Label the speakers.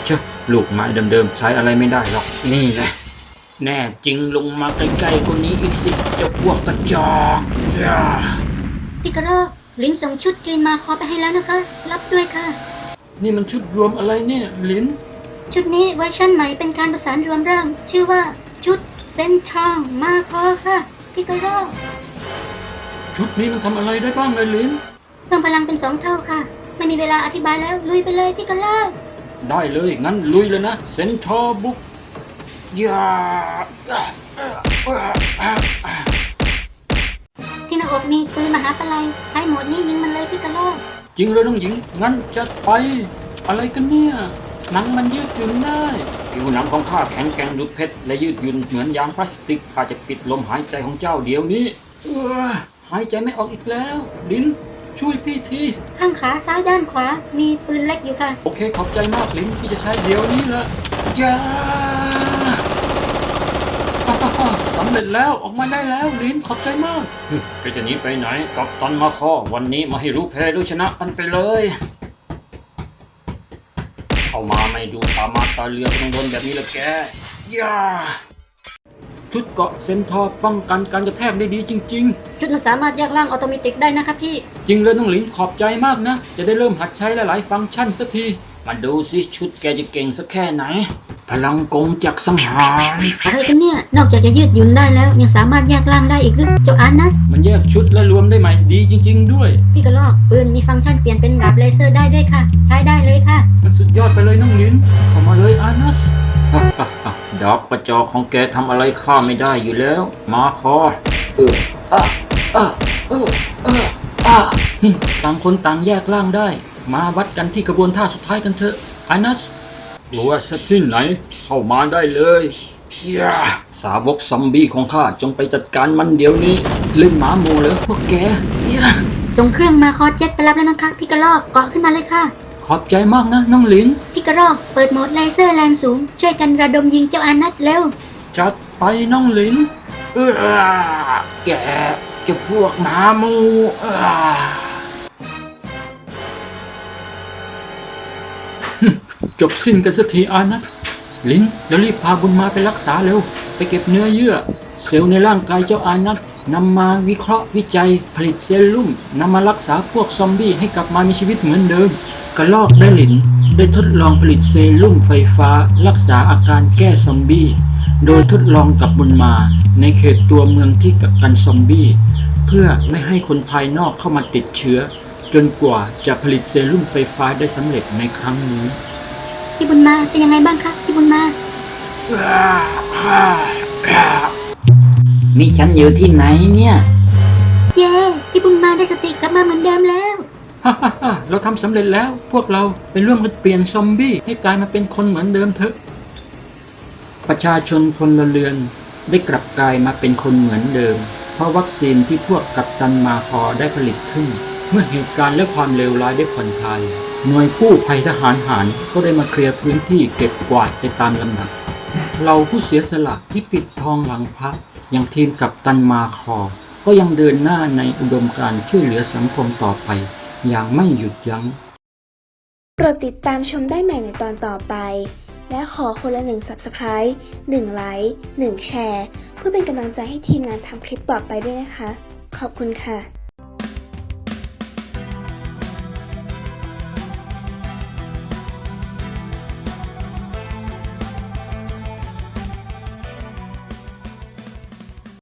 Speaker 1: เชื่อลูกไม้เดิมๆใช้อะไรไม่ได้หรอกนี่แหละแน่จริงลงมาใกล้ๆคนนี้อีกสิเจ้าพวกกระจอก
Speaker 2: พี่กระรอกลิ้นส่งชุดกรีนมาคอไปให้แล้วนะคะรับด้วยค่ะ
Speaker 1: นี่มันชุดรวมอะไรเนี่ยลิ้น
Speaker 2: ชุดนี้เวอร์ชันใหม่เป็นการประสานรวมร่างชื่อว่าชุดเซนทรัลมาคอค่ะพี่กระรอก
Speaker 1: ชุดนี้มันทำอะไรได้บ้างเลยลิ้น
Speaker 2: เพิ่มพลังเป็น2 เท่าค่ะไม่มีเวลาอธิบายแล้วลุยไปเลยพี่กระรอก
Speaker 1: ได้เลยงั้นลุยเลยนะเซนทรัลบุกยา
Speaker 2: ที่หน้าอกมีปืนมหาปลัยใช้โหมดนี้ยิงมันเลยพี่กระรอก
Speaker 1: จริงเลยน้องหญิงงั้นจัดไปอะไรกันเนี่ยหนังมันยืดหยุ่นได้ผิวหนังของข้าแข็งแกร่งดุจเพชรและยืดหยุ่นเหมือนยางพลาสติกข้าจะปิดลมหายใจของเจ้าเดี๋ยวนี้หายใจไม่ออกอีกแล้วลิ้นช่วยพี่ที
Speaker 2: ข้างขาซ้ายด้านขวามีปืนเล็กอยู่ค่ะ
Speaker 1: โอเคขอบใจมากลิ้นที่จะใช้เดี๋ยวนี้ละยาสำเร็จแล้วออกมาได้แล้วลิ้นขอบใจมากก็จะหนีไปไหนกับตันมาคอวันนี้มาให้รู้แพ้รู้ชนะกันไปเลยเข้ามาไม่ดูตามาตาเรือต้องโดนแบบนี้ละแกย่าชุดเกาะเซนทอร์ป้องกันการกระแทกได้ดีจริง
Speaker 2: ๆชุดมันสามารถแยกร่างออโตเมติกได้นะคะพี่
Speaker 1: จริงเลยน้องหลินขอบใจมากนะจะได้เริ่มหัดใช้หลายๆฟังก์ชันสักทีมาดูสิชุดแกจะเก่งสักแค่ไหนพลังกงจักสังหาร
Speaker 2: อะไรกันเนี่ยนอกจากจะยืดหยุ่นได้แล้วยังสามารถแยกร่างได้อีกหรือเจ้าอานัส
Speaker 1: มันแยกชุดและรวมได้ใหม่ดีจริงๆด้วย
Speaker 2: พี่กระรอกปืนมีฟังก์ชันเปลี่ยนเป็นดาบเลเซอร์ได้ด้วยค่ะใช้ได้เลยค่ะ
Speaker 1: มันสุดยอดไปเลยน้องหลินเข้ามาเลยอานัสดอกกระจอกของแกทำอะไรข้าไม่ได้อยู่แล้วมาคอต่างคนต่างแยกร่างได้มาวัดกันที่กระบวนท่าสุดท้ายกันเถอะอานัสกลัวสักที่ไหนเข้ามาได้เลยสาวกซอมบี้ของข้าจงไปจัดการมันเดี๋ยวนี้เล่นหมาโมเลยพวกแก
Speaker 2: ส่งเครื่องมาคอเจ็ตไปรับแล้วนะคะพี่กระรอกเกาะขึ้นมาเลยค่ะ
Speaker 1: ขอบใจมากนะน้องหลิน
Speaker 2: พี่กระรอกเปิดโหมดเลเซอร์แรงสูงช่วยกันระดมยิงเจ้าอานัสเร็ว
Speaker 1: จัดไปน้องหลินแกจะพวกหมาโมจบสิ้นกันสักทีอานัทลิ้นแล้วรีบพาบุญมาไปรักษาเร็วไปเก็บเนื้อเยื่อเซลล์ในร่างกายเจ้าอานัทนำมาวิเคราะห์วิจัยผลิตเซรุ่มนำมารักษาพวกซอมบี้ให้กลับมามีชีวิตเหมือนเดิมกระลอกและลิ้นได้ทดลองผลิตเซรุ่มไฟฟ้ารักษาอาการแก้ซอมบี้โดยทดลองกับบุญมาในเขตตัวเมืองที่กักกันซอมบี้เพื่อไม่ให้คนภายนอกเข้ามาติดเชื้อจนกว่าจะผลิตเซรุ่มไฟฟ้าได้สำเร็จในครั้งนี้
Speaker 2: พี่บุญมาเป็นยังไงบ้างคะพี่บุญมา
Speaker 1: มีฉันอยู่ที่ไหนเนี่ย
Speaker 2: เย้พี่บุญมาได้สติกลับมาเหมือนเดิมแล้ว
Speaker 1: เราทำสำเร็จแล้วพวกเราไปร่วมกันเปลี่ยนซอมบี้ให้กลายมาเป็นคนเหมือนเดิมเถอะประชาชนพลเรือนได้กลับกลายมาเป็นคนเหมือนเดิมเพราะวัคซีนที่พวกกัปตันมาคอได้ผลิตขึ้นเมื่อเหตุการณ์และความเลวร้ายได้ผ่อนคลายหน่วยกู้ภัยทหารหารก็ได้มาเคลียร์พื้นที่เก็บกวาดไปตามลำดับเราผู้เสียสละที่ปิดทองหลังพระอย่างทีมกัปตันมาคอก็ยังเดินหน้าในอุดมการณ์ช่วยเหลือสังคมต่อไปอย่างไม่หยุดยั้ง
Speaker 3: โปรดติดตามชมได้ใหม่ในตอนต่อไปและขอคนละ1 Subscribe 1 ไลค์ 1 แชร์เพื่อเป็นกำลังใจให้ทีมงานทำคลิปต่อไปด้วยนะคะขอบคุณค่ะ